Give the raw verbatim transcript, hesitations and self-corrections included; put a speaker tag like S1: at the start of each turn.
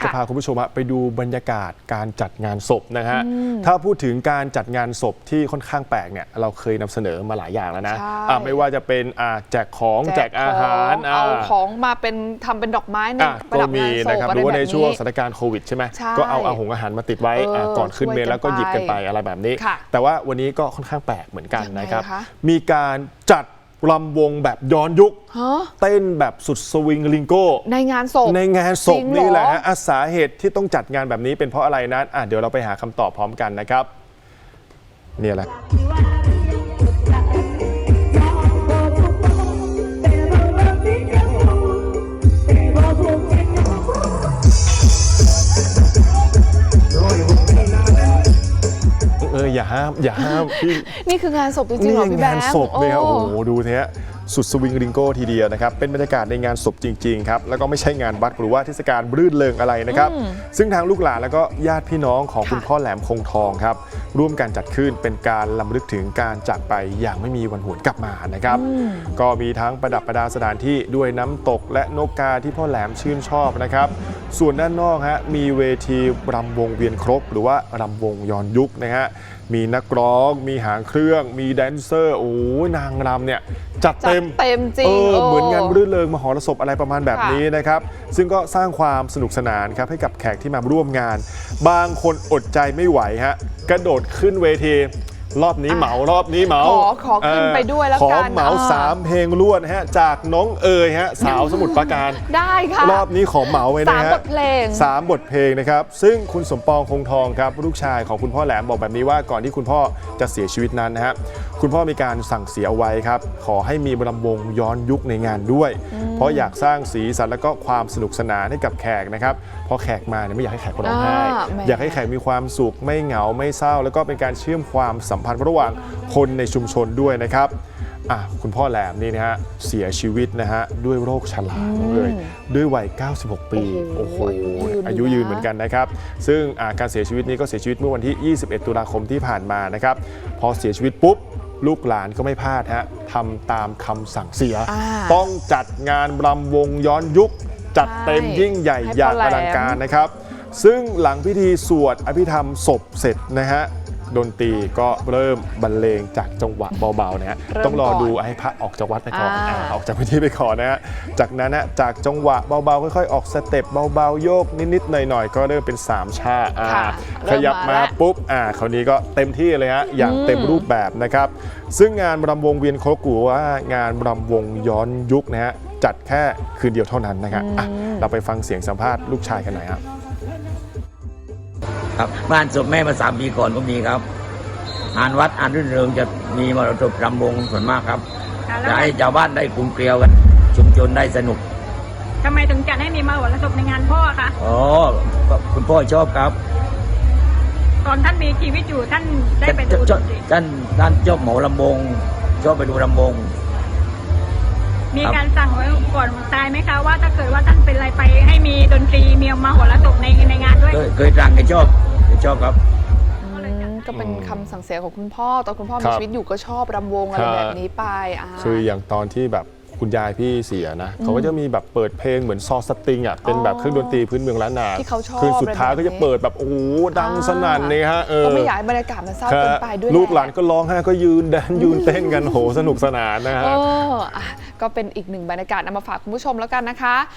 S1: จะพาคุณผู้ชมไปดูบรรยากาศการจัดงานศพนะฮะถ้าพูดถึงการจัดงานศพที่ค่อนข้างแปลกเนี่ยเราเคยนำเสนอมาหลายอย่างแล้วนะไม่ว่าจะเป็นแจกของแจกอาหาร
S2: เอาของมาเป็นทำเป็นดอกไม้ในประดับงานศพ
S1: หรือว่าในช่วงสถานการณ์โควิดใช่ไหมก็เอาอาหงอาหารมาติดไว้ก่อนขึ้นเมนแล้วก็หยิบกันไปอะไรแบบนี้แต่ว่าวันนี้ก็ค่อนข้างแปลกเหมือนกันนะครับมีการจัดรำวงแบบย้อนยุคเต้นแบบสุดสวิงลิงโก้
S2: ในงานศพ
S1: ในงานศพนี่แหละฮะสาเหตุที่ต้องจัดงานแบบนี้เป็นเพราะอะไรนั้นอ่ะเดี๋ยวเราไปหาคำตอบพร้อมกันนะครับนี่แหละเอออย่าห้ามอย่าห้ามพี่
S2: นี่คืองานศพจริงๆเหรอพี่แบงค์
S1: งานศพเลยครับโอ้โหดูเนี้ยสุดสวิงริงโก้ทีเดียวนะครับเป็นบรรยากาศในงานศพจริงๆครับแล้วก็ไม่ใช่งานวัดหรือว่าเทศกาลรื่นเริงอะไรนะครับซึ่งทางลูกหลานแล้วก็ญาติพี่น้องของคุณพ่อแหลมคงทองครับร่วมกันจัดขึ้นเป็นการรำลึกถึงการจากไปอย่างไม่มีวันหวนกลับมานะครับก็มีทั้งประดับประดาสถานที่ด้วยน้ำตกและนกกาที่พ่อแหลมชื่นชอบนะครับส่วนด้านนอกฮะมีเวทีรำวงเวียนครกหรือว่ารำวงย้อนยุคนะฮะมีนักร้องมีหางเครื่องมีแดนเซอร์โอ้นางรำเนี่ยจัดเต็ม
S2: เต็มจริง
S1: เออเหมือนงานรื่นเริงมหรสพอะไรประมาณแบบนี้นะครับซึ่งก็สร้างความสนุกสนานครับให้กับแขกที่มาร่วมงานบางคนอดใจไม่ไหวฮะกระโดดขึ้นเวทีรอบนี้เหมารอบนี้เหมา
S2: ขอขอขึ้นไปด้วยแล้วกัน
S1: ขอเหมาสามเพลงล้วนฮะจากน้องเอ๋ยฮะสาวสมุทรปราการ
S2: ได้ค่ะ
S1: รอบนี้ขอเหมาไว้นะฮะ
S2: สามบทเพลง
S1: สามบทเพลงนะครับซึ่งคุณสมปองคงทองครับลูกชายของคุณพ่อแหลมบอกแบบนี้ว่าก่อนที่คุณพ่อจะเสียชีวิตนั้นนะฮะคุณพ่อมีการสั่งเสียเอาไว้ครับขอให้มีรำวงย้อนยุคในงานด้วยเพราะอยากสร้างสีสันและก็ความสนุกสนานให้กับแขกนะครับเพราะแขกมาเนี่ยไม่อยากให้แขกร้องไห้อยากให้แขกมีความสุขไม่เหงาไม่เศร้าแล้วก็เป็นการเชื่อมความสัมพันธ์ระหว่างคนในชุมชนด้วยนะครับอ่ะคุณพ่อแหลมนี่นะฮะเสียชีวิตนะฮะด้วยโรคชราเลยด้วยวัยเก้าสิบหกปีโอ้โหอายุยืนเหมือนกันนะครับซึ่งการเสียชีวิตนี้ก็เสียชีวิตเมื่อวันที่ยี่สิบเอ็ดตุลาคมที่ผ่านมานะครับพอเสียชีวิตปุ๊บลูกหลานก็ไม่พลาดฮะทำตามคำสั่งเสียต้องจัดงานรำวงย้อนยุคจัดเต็มยิ่งใหญ่อย่างอลังการนะครับซึ่งหลังพิธีสวดอภิธรรมศพเสร็จนะฮะดนตรีก็เริ่มบรรเลงจากจังหวะเบาๆนะฮะต้องรอดูให้พระออกจากวัดไปก่อนออกจากพิธีไปก่อนนะฮะจากนั้นนะจากจังหวะเบาๆค่อยๆออกสเต็ปเบาๆโยกนิดๆหน่อยๆก็เริ่มเป็นสามชาขยับมาปุ๊บอ่าคราวนี้ก็เต็มที่เลยฮะอย่างเต็มรูปแบบนะครับซึ่งงานรำวงเวียนครกหรือว่างานรำวงย้อนยุคนะฮะจัดแค่คืนเดียวเท่านั้นนะครับเราไปฟังเสียงสัมภาษณ์ลูกชายกันหน่อยครับ
S3: ครับบ้านศพแม่มาสามปีก่อนก็มีครับงานวัดงานรื่นเริงจะมีมรดกรำวงส่วนมากครับจะให้ชาวบ้านได้กลุ่มเกลียวกันชุมชนได้สนุก
S4: ทำไมถึงจัดให้มีมรดกในงานพ่อคะ
S3: อ๋อคุณพ่อชอบครับ
S4: ตอนท่านมีชีวิตอยู่ท่านได้ไปดู
S3: ท่านท่านชอบเหมาลำวงชอบไปดูลำวง
S4: มีการสั่งไว้ก่อนตายไหมคะว่าถ้าเกิดว่าท่านเป็นอะไรไปให้มีดนตรีมีมหรสพในในงานด้วย
S3: เคยสั่งให้ชอบชอบครับ
S2: ก็เป็นคำสั่งเสียของคุณพ่อตอนคุณพ่อมีชีวิตอยู่ก็ชอบรำวงอะไรแบบนี้ไป
S1: คืออย่างตอนที่แบบคุณยายพี่เสียนะเขาก็จะมีแบบเปิดเพลงเหมือนซอสติงอ่ะเป็นแบบเครื่องดนตรีพื้นเมืองล้านนา
S2: ที่เขาชอบ
S1: คืนสุดท้ายก็จะเปิดแบบโอ้ดังสนั่นเลยฮะ
S2: ก็ไม่อยากให้บรรยากาศมันเศร้าเกินไปด้วย
S1: ลูกหลานก็ร้องไห้ก็ยืนแดนยืนเต้นกันโหสนุกสนานนะฮะ
S2: ก็เป็นอีกหนึ่งบรรยากาศนำมาฝากคุณผู้ชมแล้วกันนะคะ